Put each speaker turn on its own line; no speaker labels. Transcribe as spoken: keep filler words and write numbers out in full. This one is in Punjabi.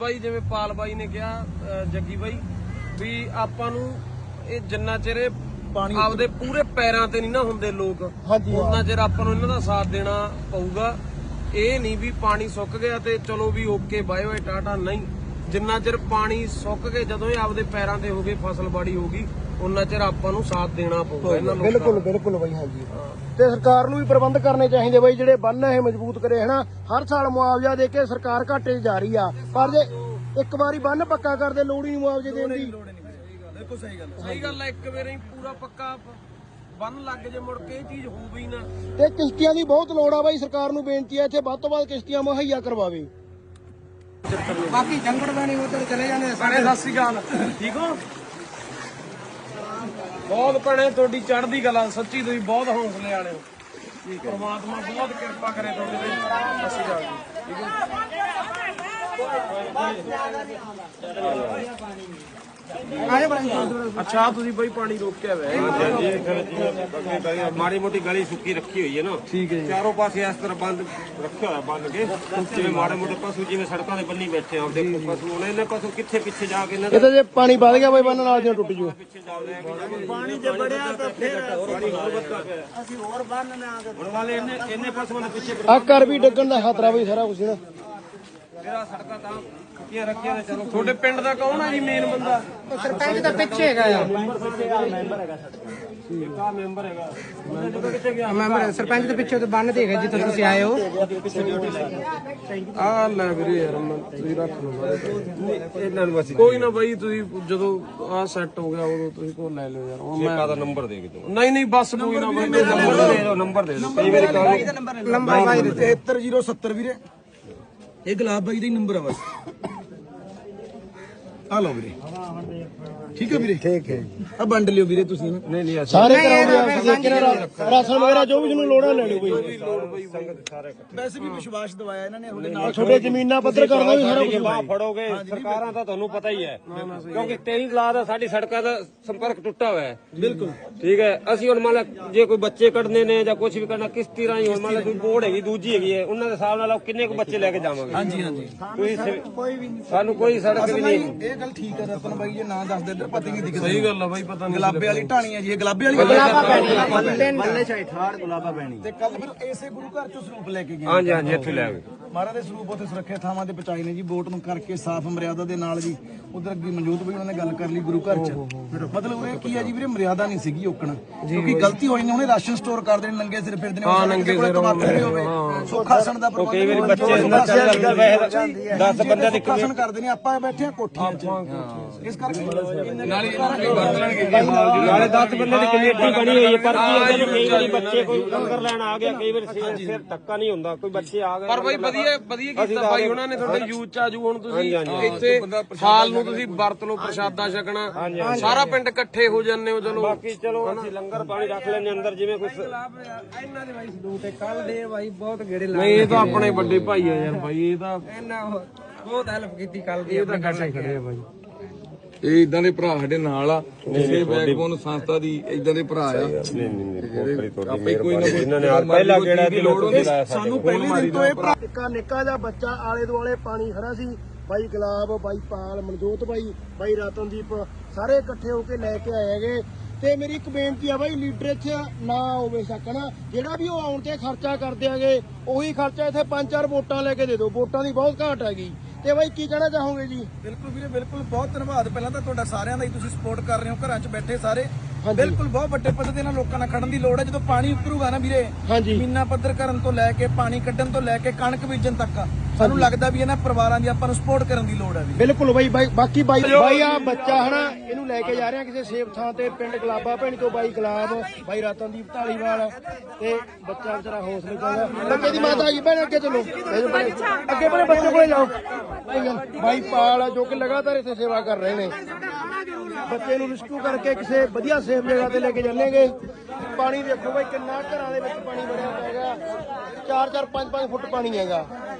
ਬਾਈ ਜਿਵੇਂ ਪਾਲ ਬਾਈ ਨੇ ਕਿਹਾ, ਜੱਗੀ ਬਾਈ ਵੀ ਆਪਾਂ ਨੂੰ ਇਹ ਜਿੰਨਾ ਚਿਰ ਪਾਣੀ ਆਪਦੇ ਪੂਰੇ ਪੈਰਾਂ ਤੇ ਨਹੀਂ ਨਾ ਹੁੰਦੇ ਲੋਕ, ਉਹਨਾਂ ਚਿਰ ਆਪਾਂ ਨੂੰ ਇਹਨਾਂ ਦਾ ਸਾਥ ਦੇਣਾ ਪਊਗਾ। ਇਹ ਨਹੀਂ ਵੀ ਪਾਣੀ ਸੁੱਕ ਗਿਆ ਤੇ ਚਲੋ ਵੀ ਓਕੇ ਬਾਏ ਬਾਏ ਟਾਟਾ, ਨਹੀਂ। ਜਿੰਨਾ ਚਿਰ ਪਾਣੀ ਸੁੱਕ ਕੇ ਜਦੋਂ ਇਹ ਆਪਦੇ ਪੈਰਾਂ ਤੇ ਹੋ ਗਏ, ਫਸਲ ਬਾੜੀ ਹੋ ਗਈ, ਉਹਨਾਂ ਚਿਰ ਆਪਾਂ ਨੂੰ ਸਾਥ ਦੇਣਾ ਪਊਗਾ ਇਹਨਾਂ ਨੂੰ।
ਬਿਲਕੁਲ ਬਿਲਕੁਲ ਬਾਈ, ਹਾਂਜੀ। ਤੇ ਸਰਕਾਰ ਨੂੰ ਵੀ ਪ੍ਰਬੰਧ ਕਰਨੇ ਚਾਹੀਦੇ ਬਾਈ, ਜਿਹੜੇ ਬੰਨ ਇਹ ਮਜ਼ਬੂਤ ਕਰੇ ਹਨਾ। ਹਰ ਸਾਲ ਮੁਆਵਜ਼ਾ ਦੇ ਕੇ ਸਰਕਾਰ ਘਾਟੇ 'ਚ ਜਾ ਰਹੀ ਆ, ਪਰ ਜੇ ਇੱਕ ਵਾਰੀ ਬੰਨ ਪੱਕਾ ਕਰਦੇ ਲੋੜ ਹੀ ਨਹੀਂ ਮੁਆਵਜ਼ੇ ਦੇਣ ਦੀ।
ਬਿਲਕੁਲ ਸਹੀ ਗੱਲ ਸਹੀ ਗੱਲ ਹੈ, ਇੱਕ ਵਾਰੀ ਪੂਰਾ ਪੱਕਾ ਬੰਨ ਲੱਗ ਜੇ ਮੁੜ ਕੇ ਇਹ ਚੀਜ਼ ਹੋਊਗੀ ਨਾ।
ਤੇ ਕਿਸ਼ਤੀਆਂ ਦੀ ਬਹੁਤ ਲੋੜ ਆ ਬਾਈ, ਸਰਕਾਰ ਨੂੰ ਬੇਨਤੀ ਹੈ ਇੱਥੇ ਵੱਧ ਤੋਂ ਵੱਧ ਕਿਸ਼ਤੀਆਂ ਮੁਹੱਈਆ ਕਰਵਾਵੇ। ਬਾਕੀ ਜੰਗੜ ਬਾਣੀ ਉਧਰ ਚਲੇ ਜਾਂਦੇ।
ਭੈਣੇ ਸਤਿ ਸ੍ਰੀ ਅਕਾਲ, ਠੀਕ ਹੋ? ਬਹੁਤ ਭੈਣੇ ਤੁਹਾਡੀ ਚੜ੍ਹਦੀ ਕਲਾ, ਸੱਚੀ ਤੁਸੀਂ ਬਹੁਤ ਹੌਸਲੇ ਵਾਲੇ ਹੋ। ਠੀਕ ਹੈ, ਪਰਮਾਤਮਾ ਬਹੁਤ ਕਿਰਪਾ ਕਰੇ ਤੁਹਾਡੇ ਤੇ। ਸਤਿ ਸ੍ਰੀ ਅਕਾਲ ਜੀ, ਠੀਕ ਹੈ। ਅੱਛਾ ਤੁਸੀਂ ਬਈ ਪਾਣੀ ਰੋਕਿਆ ਹੋਇਆ?
ਮਾੜੀ ਮੋਟੀ ਗਲੀ ਸੁੱਕੀ ਰੱਖੀ ਹੋਈ ਹੈ ਨਾ,
ਠੀਕ ਹੈ।
ਚਾਰੋਂ ਪਾਸੇ ਇਸ ਤਰ੍ਹਾਂ ਬੰਦ ਰੱਖਿਆ ਹੋਇਆ, ਬੰਨ ਕੇ। ਜਿਵੇਂ ਮਾੜੇ ਮੋਟੇ ਪਸ਼ੂ ਜਿਵੇਂ ਸੜਕਾਂ ਦੇ ਬੰਨੀ ਬੈਠੇ ਆ, ਦੇਖੋ ਪਸ਼ੂ ਹੁਣ ਇਹਨੇ ਪਸ਼ੂ ਕਿੱਥੇ ਪਿੱਛੇ ਜਾ ਕੇ ਇਹਨਾਂ
ਇਹ ਤਾਂ ਜੇ ਪਾਣੀ ਵੱਧ ਗਿਆ ਬਾਈ ਬੰਨ ਨਾਲ ਜਿਉਂ ਟੁੱਟ ਜੂ।
ਪਿੱਛੇ ਜਾ ਰਹੇ
ਪਾਣੀ ਜੇ ਬੜਿਆ ਤਾਂ ਫਿਰ
ਪਾਣੀ ਹੋਰ ਵੱਧਦਾ ਪਿਆ।
ਅਸੀਂ ਹੋਰ ਬੰਨ ਨਾ ਆ
ਹੁਣ ਵਾਲੇ ਇਹਨੇ ਇਹਨੇ ਪਸ਼ੂਆਂ ਦੇ ਪਿੱਛੇ
ਆ ਘਰ ਵੀ ਡੱਗਣ ਦਾ ਖਤਰਾ ਬਈ, ਸਾਰਾ ਕੁਝ ਨਾ।
ਮੇਰਾ ਸੜਕਾਂ ਤਾਂ ਸੁੱਕੀਆਂ ਰੱਖੀਆਂ ਨੇ। ਚਲੋ
ਤੁਹਾਡੇ ਪਿੰਡ ਦਾ ਕੌਣ ਹੈ ਜੀ ਮੇਨ ਬੰਦਾ?
ਸਰਪੰਚ ਦਾ ਪਿੱਛੇ ਹੈਗਾ ਆ,
ਮੈਂਬਰ ਹੈਗਾ।
ਮੈਂਬਰ ਸਰਪੰਚ ਦੇ ਪਿੱਛੇ ਤੇ ਬੰਨ ਦੇਖ ਜਿੱਥੇ ਤੁਸੀਂ ਆਏ ਹੋ।
ਆ ਲੈ ਵੀਰੇ ਯਾਰ, ਤੁਸੀਂ ਰੱਖ ਲਓ
ਇਹਨਾਂ ਨੂੰ ਬਸ
ਕੋਈ ਨਾ ਬਾਈ, ਤੁਸੀਂ ਜਦੋਂ ਆ ਸੈੱਟ ਹੋ ਗਿਆ ਉਦੋਂ ਤੁਸੀਂ ਕੋਲ ਲੈ ਲਿਓ ਯਾਰ। ਹੁਣ ਮੈਂ
ਦਾ ਨੰਬਰ ਦੇ ਕੇ ਦਿਓ।
ਨਹੀਂ ਨਹੀਂ ਬਸ ਕੋਈ ਨਾ ਬਾਈ,
ਨੰਬਰ ਦੇ ਦਿਓ, ਨੰਬਰ ਦੇ ਦਿਓ। ਕਈ ਵਾਰੀ ਕਾਲ
ਲੰਬਾ ਬਾਈ
ਤਿਹੱਤਰ ਜ਼ੀਰੋ ਸੱਤਰ ਵੀਰੇ, ਇਹ ਗੁਲਾਬ ਬਾਈ ਦਾ ਹੀ ਨੰਬਰ ਆ ਬਸ। ਆ ਲਓ ਵੀਰੇ, ਠੀਕ ਹੈ ਵੀਰੇ, ਠੀਕ ਹੈ। ਆ ਵੰਡ ਲਿਓ ਵੀਰੇ ਤੁਸੀਂ।
ਨਹੀਂ ਨਹੀਂ
ਸਾਰੇ ਕਰਾਉਂਦੇ ਰਾਸ਼ਨ ਵਗੈਰਾ ਜੋ ਵੀ ਤੁਹਾਨੂੰ ਲੋੜਾਂ ਲੈ ਲਿਓ ਬਈ।
ਵੈਸੇ ਵੀ ਵਿਸ਼ਵਾਸ ਦਵਾਇਆ ਇਹਨਾਂ ਨੇ ਤੁਹਾਡੇ ਨਾਲ।
ਛੋਟੇ ਜ਼ਮੀਨਾਂ ਪੱਧਰ ਕਰਨਾ ਵੀ ਸਾਰਾ ਕੁਝ
ਬਾਹ ਫੜੋਗੇ। ਸਰਕਾਰਾਂ ਦਾ ਤੁਹਾਨੂੰ ਪਤਾ ਹੀ ਹੈ, ਕਿਉਂਕਿ ਤੇਈ ਲਾ ਦਾ ਸਾਡੀ ਸੜਕਾਂ ਦਾ ਸੰਪਰਕ ਟੁੱਟਾ ਹੋਇਆ ਹੈ।
ਬਿਲਕੁਲ
ਠੀਕ ਹੈ। ਅਸੀਂ ਹੁਣ ਮੰਨ ਲਾ ਜੇ ਕੋਈ ਬੱਚੇ ਕੱਢਨੇ ਨੇ ਜਾਂ ਕੁਝ ਵੀ ਕਰਨਾ, ਕਿਸ਼ਤੀ ਰਾਹੀਂ ਹੁਣ ਮੰਨ ਲਾ ਕੋਈ ਬੋਰਡ ਹੈਗੀ ਦੂਜੀ ਹੈਗੀ ਹੈ, ਉਹਨਾਂ ਦੇ ਹਿਸਾਬ ਨਾਲ ਕਿੰਨੇ ਕੁ ਬੱਚੇ ਲੈ ਕੇ ਜਾਵਾਂਗੇ।
ਹਾਂਜੀ ਹਾਂਜੀ,
ਕੋਈ ਵੀ ਸਾਨੂੰ ਕੋਈ ਸੜਕ ਵੀ ਨਹੀਂ।
ਇਹ ਗੱਲ ਠੀਕ ਹੈ ਰਤਨ ਬਾਈ, ਜੇ ਨਾ ਦੱਸਦੇ ਇੱਧਰ ਪਤਾ ਹੀ ਨਹੀਂ ਦਿਖਦਾ।
ਸਹੀ ਗੱਲ ਆ ਬਾਈ, ਪਤਾ ਨਹੀਂ।
ਗੁਲਾਬੇ ਵਾਲੀ ਢਾਣੀ ਹੈ ਜੀ, ਇਹ ਗੁਲਾਬੇ ਵਾਲੀ
ਗੁਲਾਬਾ ਪੈਣੀ
ਬੱਲੇ ਚਾਹੀ ਠਾੜ ਗੁਲਾਬਾ ਪੈਣੀ। ਤੇ ਕੱਲ ਫਿਰ ਇਸੇ ਗੁਰੂ ਘਰ ਚੋਂ ਸਰੂਪ ਲੈ ਕੇ ਗਏ।
ਹਾਂਜੀ ਹਾਂਜੀ, ਇੱਥੇ ਲੈ ਆਵੇ।
ਮਹਾਰਾਜ ਦੇ ਸਰੂਪ ਉੱਥੇ ਸੁਰੱਖਿਅਤ ਥਾਵਾਂ ਤੇ ਪਹੁੰਚਾਏ ਨੇ ਜੀ, ਬੋਟ ਨੂੰ ਕਰਕੇ ਸਾਫ਼ ਮਰਿਆਦਾ ਦੇ ਨਾਲ ਜੀ। ਉਧਰ ਅੱਗੇ ਮਨਜੋਤ ਬਈ ਉਹਨਾਂ ਨੇ ਗੱਲ ਕਰ ਲਈ ਗੁਰੂ ਘਰ ਚ। ਮਤਲਬ ਇਹ ਕੀ ਹੈ ਜੀ ਵੀਰੇ, ਮਰਿਆਦਾ ਨਹੀਂ ਸੀਗੀ ਓਕਣ, ਕਿਉਂਕਿ ਗਲਤੀ ਹੋਈ ਨੇ। ਉਹਨੇ ਰਾਸ਼ਨ ਸਟੋਰ ਕਰਦੇ ਨੇ, ਨੰਗੇ ਸਿਰ ਫਿਰਦੇ ਨੇ।
ਹਾਂ ਨੰਗੇ ਸਿਰ
ਹੋਵੇ ਸੁਖਾਸਣ ਦਾ ਪ੍ਰਬੰਧ।
ਕਈ ਵਾਰੀ ਬੱਚੇ ਦਸ ਬੰਦਿਆਂ ਦੀ
ਸੁਖਾਸਨ ਕਰਦੇ ਨੇ, ਆਪਾਂ ਬੈਠੇ ਆ ਕੋਠੀਆਂ ਚ। ਇਸ ਕਰਕੇ
ਨਾਲੇ ਦਸ ਬੰਦੇ ਦੀ ਕਮੇਟੀ ਬਣੀ ਹੋਈ ਹੈ, ਪਰ ਕੀ ਕਈ ਵਾਰੀ ਬੱਚੇ ਕੋਈ ਲੰਗਰ ਲੈਣ ਆ ਗਿਆ, ਕਈ ਵਾਰੀ ਸਿਰ ਧੱਕਾ ਨਹੀਂ ਹੁੰਦਾ, ਕੋਈ ਬੱਚੇ ਆ ਗਏ।
ਪਰ ਬਾਈ ਵਧੀਆ ਵਧੀਆ ਕੀਤਾ ਬਾਈ ਉਹਨਾਂ ਨੇ, ਤੁਹਾਡੇ ਯੂਥ ਚ ਆਜੂ। ਹੁਣ ਤੁਸੀਂ ਇੱਥੇ ਹਾਲ ਨੂੰ ਤੁਸੀਂ ਵਰਤ ਲਓ, ਪ੍ਰਸ਼ਾਦਾ ਛਕਣਾ, ਸਾਰਾ ਪਿੰਡ ਇਕੱਠੇ ਹੋ ਜਾਂਦੇ ਹੋ। ਚਲੋ
ਬਾਕੀ ਚਲੋ ਅਸੀਂ ਲੰਗਰ ਪਾਣੀ ਰੱਖ ਲੈਣੇ ਅੰਦਰ, ਜਿਵੇਂ ਕੁਝ
ਇਹਨਾਂ ਦੇ ਬਾਈ ਸਲੂਟ ਹੈ। ਕੱਲ ਦੇ ਬਾਈ ਬਹੁਤ ਗੇੜੇ
ਨਹੀਂ, ਇਹ ਤਾਂ ਆਪਣੇ ਵੱਡੇ ਭਾਈ ਆ ਯਾਰ ਬਾਈ, ਇਹ ਤਾਂ
ਇਹਨਾਂ ਬਹੁਤ ਹੈਲਪ ਕੀਤੀ ਕੱਲ ਦੀ।
ਇਹ ਤਾਂ ਕੱਟੇ ਖੜੇ ਆ ਬਾਈ।
ਇਹ ਇਦਾਂ ਦੇ ਭਰਾ ਸਾਡੇ ਨਾਲ ਆ, ਕਿਸੇ ਬੈਕਬੋਨ ਸੰਸਥਾ ਦੀ ਇਦਾਂ ਦੇ ਭਰਾ ਆ।
ਆਪੇ ਕੋਈ ਨਾ ਜਿਨ੍ਹਾਂ ਨੇ ਪਹਿਲਾ ਗੇੜਾ ਦੀ ਲੋੜ ਹੁੰਦੀ ਲਾਇਆ
ਸਾਨੂੰ ਪਹਿਲੇ ਦਿਨ ਤੋਂ ਇਹ
ਨਿੱਕਾ ਨਿੱਕਾ ਜਿਹਾ ਬੱਚਾ ਆਲੇ ਦੁਆਲੇ ਪਾਣੀ ਖੜਾ ਸੀ। ਬਾਈ ਗੁਲਾਬ, ਬਾਈ ਪਾਲ, ਮਨਜੋਤ ਬਾਈ, ਬਾਈ ਰਤਨਦੀਪ ਸਾਰੇ ਇਕੱਠੇ ਹੋ ਕੇ ਲੈ ਕੇ ਆਏ ਹੈਗੇ। ਤੇ ਮੇਰੀ ਇੱਕ ਬੇਨਤੀ ਆ ਬਾਈ, ਲੀਡਰ ਇੱਥੇ ਨਾ ਹੋਵੇ ਸਕਣਾ, ਜਿਹੜਾ ਵੀ ਉਹ ਆਉਣ ਤੇ ਖਰਚਾ ਕਰਦੇ ਆਗੇ, ਉਹੀ ਖਰਚਾ ਇੱਥੇ ਪੰਜ ਚਾਰ ਵੋਟਾਂ ਲੈ ਕੇ ਦੇ ਦਿਓ। ਵੋਟਾਂ ਦੀ ਬਹੁਤ ਘਾਟ ਹੈਗੀ। ਤੇ ਬਾਈ ਕੀ ਕਹਿਣਾ ਚਾਹੋਗੇ ਜੀ?
ਬਿਲਕੁਲ ਵੀਰੇ, ਬਿਲਕੁਲ ਬਹੁਤ ਧੰਨਵਾਦ ਪਹਿਲਾਂ ਤਾਂ ਤੁਹਾਡਾ ਸਾਰਿਆਂ ਦਾ ਹੀ, ਤੁਸੀਂ ਸਪੋਰਟ ਕਰ ਰਹੇ ਹੋ ਘਰਾਂ 'ਚ ਬੈਠੇ ਸਾਰੇ। ਬਿਲਕੁਲ ਬਹੁਤ ਵੱਡੇ ਪੱਧਰ ਤੇ ਨਾਲ ਲੋਕਾਂ ਨਾਲ ਖੜਨ ਦੀ ਲੋੜ ਹੈ। ਜਦੋਂ ਪਾਣੀ ਉੱਪਰੂਗਾ ਨਾ ਵੀਰੇ, ਜ਼ਮੀਨਾਂ ਪੱਧਰ ਕਰਨ ਤੋਂ ਲੈ ਕੇ ਪਾਣੀ ਕੱਢਣ ਤੋਂ ਲੈ ਕੇ ਕਣਕ ਬੀਜਣ ਤੱਕ, ਸਾਨੂੰ ਲੱਗਦਾ ਵੀ ਇਹਨਾਂ ਪਰਿਵਾਰਾਂ ਦੀ ਆਪਾਂ ਨੂੰ ਸਪੋਰਟ ਕਰਨ ਦੀ ਲੋੜ ਹੈ।
ਬਿਲਕੁਲ ਬਾਈ। ਬਾਈ ਬਾਕੀ ਬਾਈ ਬਾਈ ਆ ਬੱਚਾ ਹਨਾ, ਇਹਨੂੰ ਲੈ ਕੇ ਜਾ ਰਹੇ ਆ ਕਿਸੇ ਸੇਫ ਥਾਂ ਤੇ, ਪਿੰਡ ਗੁਲਾਬਾ ਭੈਣੀ ਤੋਂ ਬਾਈ ਗੁਲਾਬ, ਬਾਈ ਰਤਨਦੀਪ ਢਾਲੀਵਾਲ। ਤੇ ਬੱਚਾ ਵਿਚਾਰਾ ਹੌਸਲੇ ਚਾਹੀਦਾ। ਬੱਚੇ ਦੀ ਮਾਤਾ ਆ ਗਈ ਭੈਣ, ਅੱਗੇ ਚਲੋ, ਅੱਗੇ ਬੜੇ ਬੱਚੇ ਕੋਲੇ ਜਾਓ। ਬਾਈ ਪਾਲ ਜੋ ਕਿ ਲਗਾਤਾਰ ਇੱਥੇ ਸੇਵਾ ਕਰ ਰਹੇ ਨੇ, ਬੱਚੇ ਨੂੰ ਰਿਸਕਿਊ ਕਰਕੇ ਕਿਸੇ ਵਧੀਆ ਸੇਫ ਜਗ੍ਹਾ ਤੇ ਲੈ ਕੇ ਚੱਲੇਗੇ। ਪਾਣੀ ਦੇਖੋ ਬਾਈ ਕਿੰਨਾ ਘਰਾਂ ਦੇ ਵਿੱਚ ਪਾਣੀ ਵੜਿਆ ਹੈਗਾ, ਚਾਰ ਚਾਰ ਪੰਜ ਪੰਜ ਫੁੱਟ ਪਾਣੀ ਹੈਗਾ।